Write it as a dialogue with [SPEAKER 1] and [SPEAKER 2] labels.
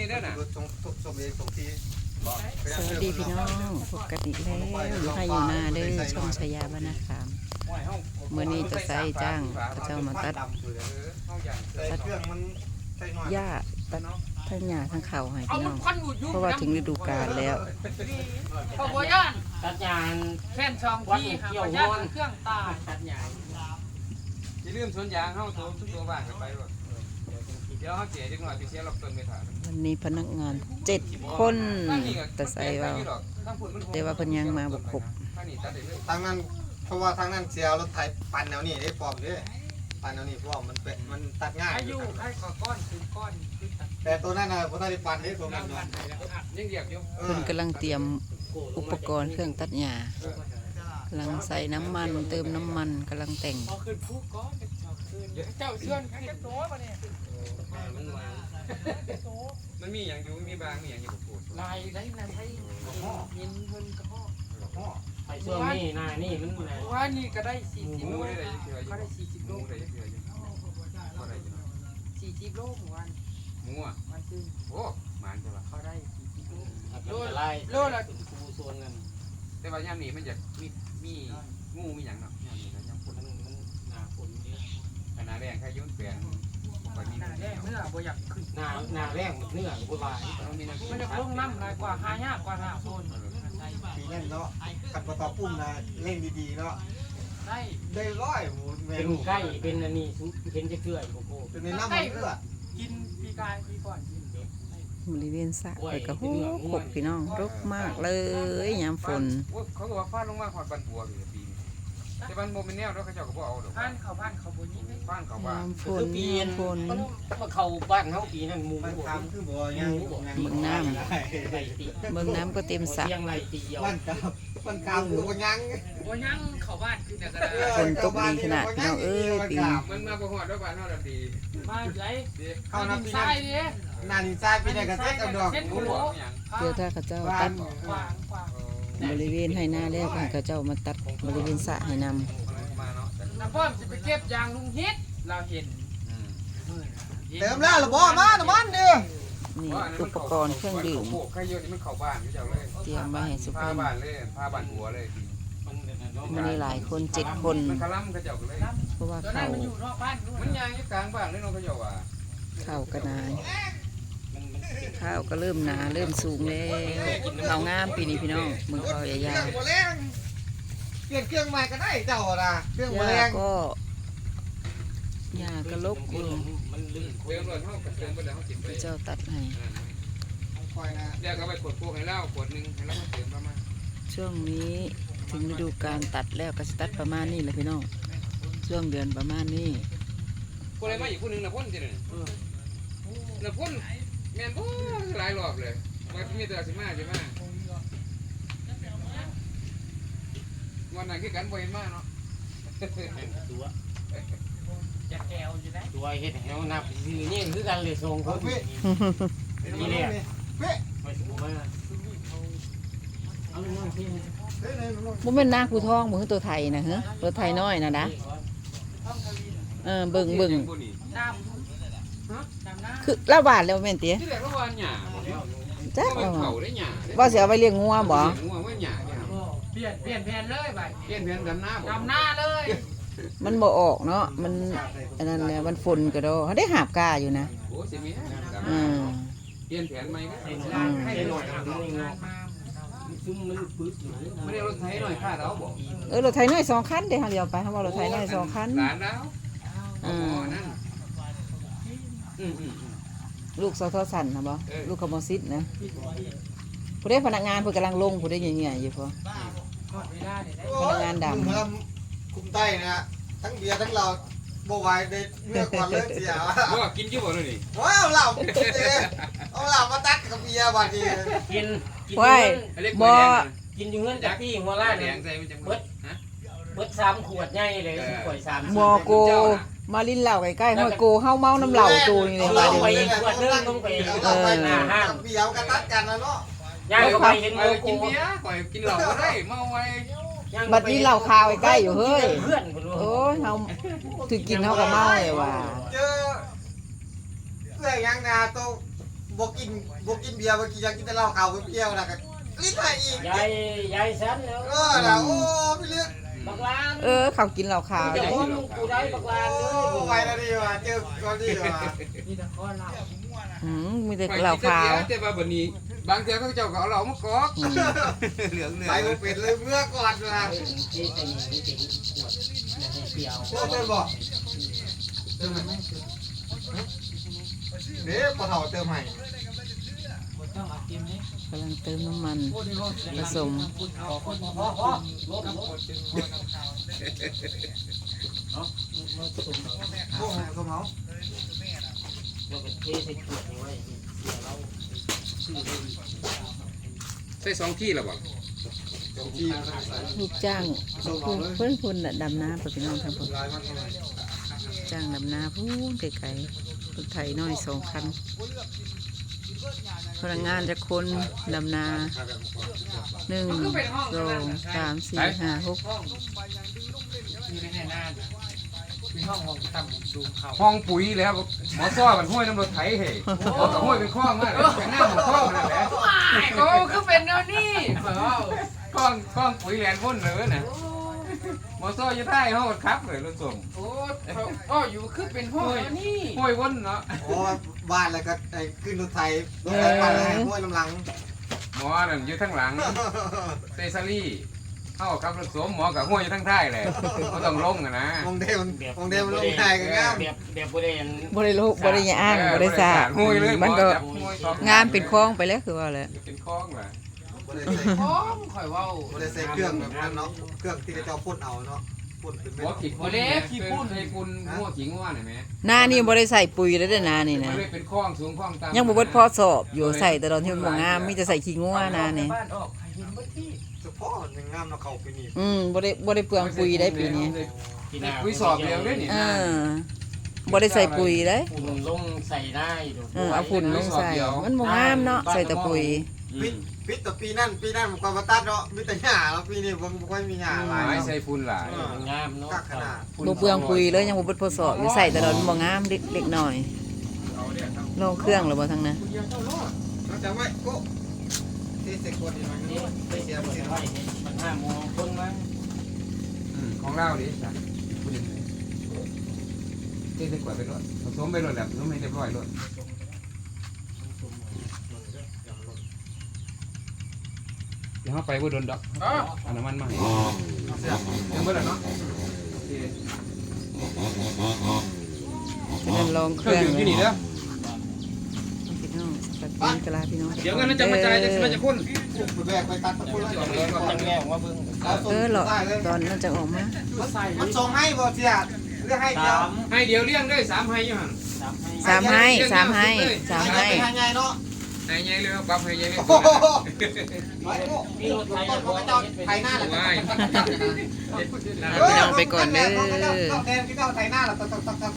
[SPEAKER 1] นี่ได้น่ะ
[SPEAKER 2] ส่งเองส่งที
[SPEAKER 3] สวัสดีพี่น้องพบกันอีกแล้วอยู่ให้อยู่หน้าเด้อช่องชายาบ้านนาขามเมื่อนี้จะใส่จ้างพระเจ้ามาตัดหญ้าตัดทั้งหญ้าทั้งเขาให้พี่น้องเพราะว่าถึงฤดูกาลแล้ว
[SPEAKER 4] พอบัวย่าน
[SPEAKER 5] ตัดยาง
[SPEAKER 4] แค่นช่องที่หาบัวย่านเครื่องตา
[SPEAKER 5] ตัดยาง
[SPEAKER 1] อย่าลืมสวนยางเฮาตัวบ้านกันไปบ่เดี๋ยวเฮาเสียจักหน่อยสิเสียรอบต้นไม่ทัน
[SPEAKER 3] วันนี้พนักงาน7 คนแต่ใส่ว่าแต่ว่าเพิ่นยังมาบ่ครบ
[SPEAKER 2] ทางนั้นเพราะว่าทางนั้นเสียรถไถปั่นแนวนี้ได้ปลอมเด้ปั่นแนวนี้เพราะว่ามันตัดง่าย
[SPEAKER 4] อายุให้ก้อนคือก้อนคือตัด
[SPEAKER 2] แต่ตัวนั้นน่ะบ่ได้ปั่นเด้ตัวนั้น
[SPEAKER 1] ยังเรียกอยู่
[SPEAKER 3] เพิ่นกำลังเตรียมอุปกรณ์เครื่องตัดหญ้ากำลังใส่น้ำมันเติมน้ำมันกำลังแต่ง
[SPEAKER 4] พอขึ้นผู้ก้อนเจ้าเชื่อนขึ้นโต๊ะป่ะเนี่ย
[SPEAKER 1] มันมีอย่างอยู่มีบางมีอย่างอยู่กับพูด
[SPEAKER 4] ลายได้นะให้เย็นเพิ่นกระห้อ
[SPEAKER 5] ไอ้ช่วงนี้หน้านี่มันแหละ
[SPEAKER 4] ว่านี่ก็ได้40
[SPEAKER 1] ห
[SPEAKER 4] โล
[SPEAKER 1] มูได้ได้เชื่ออยู่
[SPEAKER 4] ก็ได้40
[SPEAKER 1] ห
[SPEAKER 4] โล
[SPEAKER 1] มูได้เชื่ออยู่ก็ได้อยู่
[SPEAKER 4] 40 โลของวัน
[SPEAKER 1] หมูอ่ะ
[SPEAKER 4] วันซึ่ง
[SPEAKER 1] โอ้หมานใช่ป่ะ
[SPEAKER 4] เขาได้40 โล
[SPEAKER 5] โลละโลละเป็นครูโซนกัน
[SPEAKER 1] แต่ว่ายามนี้มันจะมีงูมีหยังเนาะยามนี้นะยามฝน
[SPEAKER 5] มันหน้าฝนเยอะ
[SPEAKER 1] ขนาดแรงแค่ยุ่นแปลงบ่มี
[SPEAKER 4] หน้าแดงเมื่อบ่อยากขึ้น
[SPEAKER 5] หน้าแรงเนื้อก็บ่าย
[SPEAKER 4] มันจะลงน้ำลายกว่าหายากกว่าหน้าโซน
[SPEAKER 2] ปีนั้นเนาะขัดประตอปุ้มนะเล่นดีๆเนาะ
[SPEAKER 4] ได้
[SPEAKER 2] ได้ร้อยหมูเม
[SPEAKER 5] เป็น
[SPEAKER 2] นู
[SPEAKER 5] ไก่เป็นอันนี้เห็นจะเกลือโอ้โห
[SPEAKER 2] จนในน้ำมันเลือด
[SPEAKER 4] กินปีกายปีก่อนกิน
[SPEAKER 3] บริเวณสระเปิดกระหูขบพี่น้องรกมากเลยยามฝน
[SPEAKER 1] เขาก็ว่าฟาดลงมาหอดบันบัวอยู่ปีนี้แต่บันบัวเป็นแนวแล้วเขาเจ้าก็บ่เอาดอก
[SPEAKER 4] บ้านเขาบนนี้ไม่
[SPEAKER 1] บ้านเขาว่าย
[SPEAKER 3] ามฝนยามฝน
[SPEAKER 5] มันมาเข้าบ้านเฮาปีนั้นหมู
[SPEAKER 2] มัน
[SPEAKER 5] บ่
[SPEAKER 2] ทำคือบ่ยัง
[SPEAKER 3] เบิ่งน้ำ
[SPEAKER 5] ไหลติ
[SPEAKER 3] เบิ่งน้ำก็เต็มสระ
[SPEAKER 5] เสียงไหลติเดียว
[SPEAKER 2] มันกำคือบ่ยัง
[SPEAKER 4] โอ้ยังเข้าบ้านคือแต่ก็ได้
[SPEAKER 3] ฝนตกดีขนาดพี่น้องเอ้ยปีนี้
[SPEAKER 1] มันมาบ่ฮอดแล้วบ้านเฮาดอกดี
[SPEAKER 4] มาไหล
[SPEAKER 2] เข้าน้ำปี
[SPEAKER 4] ทรา
[SPEAKER 2] นั้
[SPEAKER 4] ย
[SPEAKER 2] น
[SPEAKER 4] ดิ
[SPEAKER 2] นานินทรายปีนั้นก็เซ็ตกับดอก
[SPEAKER 1] หมูหลวงหยัง
[SPEAKER 3] เพื่อถ้าเขาเจ้าตัด
[SPEAKER 4] กวาง
[SPEAKER 3] บริเวณให้หน้าแล้วให้เขาเจ้ามาตัดบริเวณสระให้นำ
[SPEAKER 1] มาเนาะ
[SPEAKER 4] น้ำป้อมจะไปเก็บยางลุงฮิตเราเห็น
[SPEAKER 2] เติมแล้วล่ะบ่มาน้ำมันเด้อ
[SPEAKER 3] นี่อุปกรณ์เครื่องดื่ม
[SPEAKER 1] ใครเยอะนี่มันเข้าบ้านอยู่เจ้าเลย
[SPEAKER 3] เตรียมไว้ให้สุ
[SPEAKER 1] พา
[SPEAKER 3] ภาพ
[SPEAKER 1] บ้านเลยพาบ้านหัวเลย
[SPEAKER 3] มันมีหลายคน7 คน
[SPEAKER 1] มันคลั่มเขาเจ้าก็เลย
[SPEAKER 3] เพราะว่า
[SPEAKER 4] ตอนนั้
[SPEAKER 3] เขา
[SPEAKER 4] นมันอยู่นอกบ้านด้วย
[SPEAKER 1] มันยางอยู่กลางบ้านเลยน้องเขาเจ้าว่า
[SPEAKER 3] ข้าวก็นายข้าวก็เริ่มหนาเริ่มสูงแล้วข้าวงามปีนี้พี่น้องมึงข้าวใหญ่
[SPEAKER 2] เครื่องบ่แรงเปลี่ยนเครื่องใหม่ก็ได้เจ้าน่ะเครื่อง
[SPEAKER 3] ๆ
[SPEAKER 2] บ่แร
[SPEAKER 3] ยาง ก็หญ้าก็ลกอยู่
[SPEAKER 5] มันลื่น
[SPEAKER 1] เติมเลยเฮาเติมไปแล้วเฮากินไป
[SPEAKER 3] เจ้าตัดให้
[SPEAKER 2] คอยนะ
[SPEAKER 1] แล้วก็ไปขวดพวกให้เหล้าขวดนึงให้เรามาเติมประมาณ
[SPEAKER 3] ช่วงนี้ถึงฤดูการตัดแล้วก็สิตัดประมาณนี้แหละพี่น้องช่วงเดือนประมาณนี้
[SPEAKER 1] คนอะไรมาอีกคนนึงน่ะพ่นจิเนี่ยน่ะพ่นแม่นบ่หลายรอบเลยว่ามีแต่สิมาสิมาวันนั้นคือกันบ่เห็นมาเนาะ
[SPEAKER 5] ตัว
[SPEAKER 4] จะแกวอยู่ได้
[SPEAKER 5] ตัวเฮ็ดให้เฮานับซื้อนี่คือกันเลยส่งคนนี่แหละไม่สมมุติว่าเอาน้ำพี่
[SPEAKER 3] บ่แม่นนาคูทองบ่คือตัวไทยนะฮะตัวไทยน้อยน่ะนะ
[SPEAKER 4] ท่องทวี
[SPEAKER 3] เบิ่ง
[SPEAKER 4] น้ำหน้า
[SPEAKER 3] คือละบาทแล้วแม่นติ
[SPEAKER 1] ที่แรกเราว่าหญ้าบ่เนาะ
[SPEAKER 3] จัก
[SPEAKER 1] ว่า
[SPEAKER 3] ว่า
[SPEAKER 1] เขาได้หญ้า
[SPEAKER 3] ว่าสิเอาไปเลี้ยงงัวบ่
[SPEAKER 1] งัวว่าหญ้าเนี่ย
[SPEAKER 4] เปลี่ยนแผนเลยไป
[SPEAKER 1] เปลี่ยนแผนดำหน้าบ่
[SPEAKER 4] ดำหน้าเลย
[SPEAKER 3] มันบ่ออกเนาะมันอันนั้นแหละมันฝนก็ดอเขาได้หาบกาอยู่นะ
[SPEAKER 1] โอ้สิมี
[SPEAKER 3] อืม
[SPEAKER 1] เปลี่ยนแผนใหม่ก็
[SPEAKER 4] ให้หน่อยมา
[SPEAKER 5] ซุ่มมันปึ๊ดอยู่
[SPEAKER 1] ไม่ได้รถไถหน่อยค่าเราบ่
[SPEAKER 3] รถไถน้อย2 คันเด้เฮาเดียวไปเฮาว่ารถไถน้อย2 คัน
[SPEAKER 1] หลานแล้วอ๋อนั่นอืม
[SPEAKER 3] ลูกสทสั่นนะบ่ลูกขโมซิดนะผู้ได้พนักงานเพิ่นกำลังลงผู้ได้เงี้ยๆอยู่พอ
[SPEAKER 4] หมดเวลาเดี๋ยวได้
[SPEAKER 3] พนักงานดำ
[SPEAKER 2] คุมใต้นะทั้งเบียร์ทั้งเราบ่ไหวได้เลือกก่อนเลิกเสีย
[SPEAKER 1] ว่ากินอยู่บ่เลยนี่
[SPEAKER 2] ว้าวเหล่าเอาเหล่ามาตัดกับเบียร์บาดนี้
[SPEAKER 5] กิน
[SPEAKER 3] ว้ายบ่
[SPEAKER 5] กินอยู่เงินจากที่หัวล้าน
[SPEAKER 1] แด
[SPEAKER 5] เนี่ย
[SPEAKER 1] งใส่มันจะฮะ
[SPEAKER 5] เบิด3 ขวดใหญ่เลยขวด3
[SPEAKER 3] บ่โกมาลิ้นเหล้าใกล้ๆห้อยโกเฮาเมาน้ำเหล้าตูนี่เลยว่าเดี๋ยวนี้
[SPEAKER 2] หน้าห้างเบียร์ก็ตัดกันแล้วเนาะ
[SPEAKER 5] ย่างก็ไปเห็น
[SPEAKER 1] ไป
[SPEAKER 5] โมโก
[SPEAKER 1] กินเบียร์ไปกินเหล้าก็ได้เมาไว้
[SPEAKER 3] บัดนี้เหล้าคาวใกล้ๆอยู่เฮ้ย
[SPEAKER 5] เพื่อนคนรู้
[SPEAKER 3] โอ้ยเฮาถือกินเฮาก็เมาเลยว่ะ
[SPEAKER 2] เจอเรื่องยังนาโตบ่กินเบียร์บ่กินอยากกินแต่เหล้าขาวเปรี้ยวนะก็ลิ้นให้อีก
[SPEAKER 5] ยายฉันแล้ว
[SPEAKER 2] ล่ะโอ้พี่เลือก
[SPEAKER 5] บักลาน
[SPEAKER 3] เขากินเหล้าขาว
[SPEAKER 5] จะ
[SPEAKER 3] ได้
[SPEAKER 5] พ้นกูได้บักลานเลย
[SPEAKER 2] โอ้ไปแล้วดีว่ะเจอก่อนดีว่ะ
[SPEAKER 4] นี่แต่ข้อเรา
[SPEAKER 3] มีแต่เหล้าขาว
[SPEAKER 1] แต่ว่าบัดนี้บางเทื่อเขาเจ้าก็เอาเหล้ามากอกเหลือง
[SPEAKER 2] ไปบ่เป็นเลยเมื่อก่อนว่ะ
[SPEAKER 5] ที่เป็นที่เป็นขวดให้เปรี้ยว
[SPEAKER 2] เติมบ่เติมไหมเด้ปะเฒ่าเติมให้
[SPEAKER 4] คนต้องเอากินนี่
[SPEAKER 3] กำลังเติมน้ำมันผสม
[SPEAKER 4] คุณเอาคน
[SPEAKER 5] พอรถ
[SPEAKER 4] กับคนจึงคนเอาข่าว
[SPEAKER 2] โอ้สมเอา
[SPEAKER 5] เราก็เทใส่ขวดนี้ไว้เสียเราซื้อได้
[SPEAKER 1] ใส่2ที่แล้วบ่
[SPEAKER 2] ที่
[SPEAKER 3] ลูกจ้างเพื่อนคุณน่ะดำน้าไปพี่น้องทั้งหมด
[SPEAKER 2] ลายมันเท่าไหร่
[SPEAKER 3] จ้างดำนาพูนไกลๆรถไถน้อย2 คันพนักงานจะคนดำนา1 2 3 4 5 6
[SPEAKER 4] อยู่ในหน้าเป็นห้องต่ำสูงเขา
[SPEAKER 1] ห้องปุ๋ยแล้วหมอซ้อมันห้วยน้ำรถไถเฮ้เอากับห้วยเป็นคลองมาเลยเป็นหน้าหมองคลองนั่นแหละ
[SPEAKER 4] โอ้คือเป็นแนวนี้เปล่า
[SPEAKER 1] คลองปุ๋ยแลนวนเลยน่ะหมอซ้อจะได้เฮาครับเลยรถส่ง
[SPEAKER 4] โอ้ก็อยู่คือเป็นห้องนี่
[SPEAKER 1] ห้วยวนเนาะ
[SPEAKER 2] โอ้บ้านแล้วก็ไอ้ขึ้นรถไถปั่นแล้วให้ห้วยน้ำหลัง
[SPEAKER 1] หมอนั่นอยู่ข้างหลังเตซารี่เฮาขับรถสวมหมอกับห้วยอยู่ทางท้ายแหละบ่ต้องลงอ่ะนะ
[SPEAKER 2] มองเดมันลงไทยกันงาม
[SPEAKER 5] แบบบ่ได้
[SPEAKER 3] บริโลกบริยาอ้างบริษัท
[SPEAKER 1] ห้วยเลย
[SPEAKER 3] มันก็
[SPEAKER 1] จับห้วยท็อป
[SPEAKER 3] งานเป็นคลองไปแล้วคือว่าเลย
[SPEAKER 1] เป็นคลองล่ะ
[SPEAKER 2] บ่ได้ใส่
[SPEAKER 4] ห้องข่อยว่า
[SPEAKER 2] บ่ได้ใส่เครื่องแบบนั้นเนาะเครื่องที่เจ้าพ่นเอาเนาะพ่นเป็นเม็
[SPEAKER 1] หัว
[SPEAKER 2] ด
[SPEAKER 1] ขี้พุ่นขี้พุ่นให้พุ่นหัวขี้งัวหน่อยแม่
[SPEAKER 3] หน้านี่บริใส่ปุ๋ยแล้วเด้อนานี่
[SPEAKER 1] มั
[SPEAKER 3] นะ
[SPEAKER 1] นเลยเป็นคลองสูงคลองต่ำ
[SPEAKER 3] ยังบ่เบิดพอสอบอยู่ใส่แต่ตอนที่มันบ่งามมีแต่ใส่ขี้งัวนานี่
[SPEAKER 4] บ้านออกให้เห็นบ่ที่
[SPEAKER 2] เฉพาะมันงามเนาะเขาไปนี่
[SPEAKER 3] บ่ได้เปลืองปุ๋ยได้ปีนี้
[SPEAKER 1] ปุ๋ยสอบเดียวเลยนี่
[SPEAKER 3] บ่ได้ใส่ปุ๋ยเลย
[SPEAKER 5] ฝุ่นลงใส่ได้ดู
[SPEAKER 3] เอาฝุ่นลงใส่มันบ่งามเนาะใส่แต่ปุ๋ย
[SPEAKER 2] ปิดแต่ปีนั้นมันก็มาตัดเนาะมีแต่หญ้าแล้วปีนี้บ่ค่อยมีหญ้าหลาย
[SPEAKER 1] ไม้ใส่ฝุ่นหลาย
[SPEAKER 5] งามเนาะ
[SPEAKER 2] กักขนาด
[SPEAKER 3] บ่เปลืองปุ๋ยเลยยังบ่เบิดพอสอบอยู่ใส่แต่ตอนมันบ่งามเล็กน้อยลงเครื่องแล้วบ่ทั้งนั้น
[SPEAKER 2] เราจะไว้โก้ที่เสกคนนี่มันไปเสีย
[SPEAKER 5] ไว้มัน5 โมงคนมา
[SPEAKER 1] ของเราดิจ้ะคุณยังไงเจ๊จะกวาดไปรถผสมไปรถแหละผสมให้เรียบร้อยรถเดี๋ยวเขาไปว่าโดนดอกเอาน้ำมันมาให้ยังเมื่อไหร่เนาะ
[SPEAKER 3] ฉะนั้นลองเค
[SPEAKER 1] เครื่
[SPEAKER 3] รื่
[SPEAKER 1] อ
[SPEAKER 3] อง ง
[SPEAKER 1] ดื่มที่นี่เด้อ
[SPEAKER 3] พี่น้องสวัสดีกะลาพี่น้อง
[SPEAKER 1] เดี๋ยวกันจะมาจ่ายจะพ่น
[SPEAKER 2] ไปแบกไปตัดตะปูแล้ว
[SPEAKER 5] จังแรกว่าเบิ่ง
[SPEAKER 3] หรอตอนนั้นจะออกมา
[SPEAKER 2] มันส่งให้บ่เสียหรือให้เดียว
[SPEAKER 1] ให้เดียวเลี้ยงได้3ให้อยู่หัน
[SPEAKER 3] 3 ให้3 ให้3 ให้
[SPEAKER 2] ให้ไงเนาะ
[SPEAKER 1] ให้ใหญ่เลยปรับให้ใหญ่เลย
[SPEAKER 2] โอ้โหมีรถไถเขาก็จะไถหน้าแหละ
[SPEAKER 3] พี่น้องไปก่อนเด้อ
[SPEAKER 2] แทนที่เจ้าไถหน้าแหละ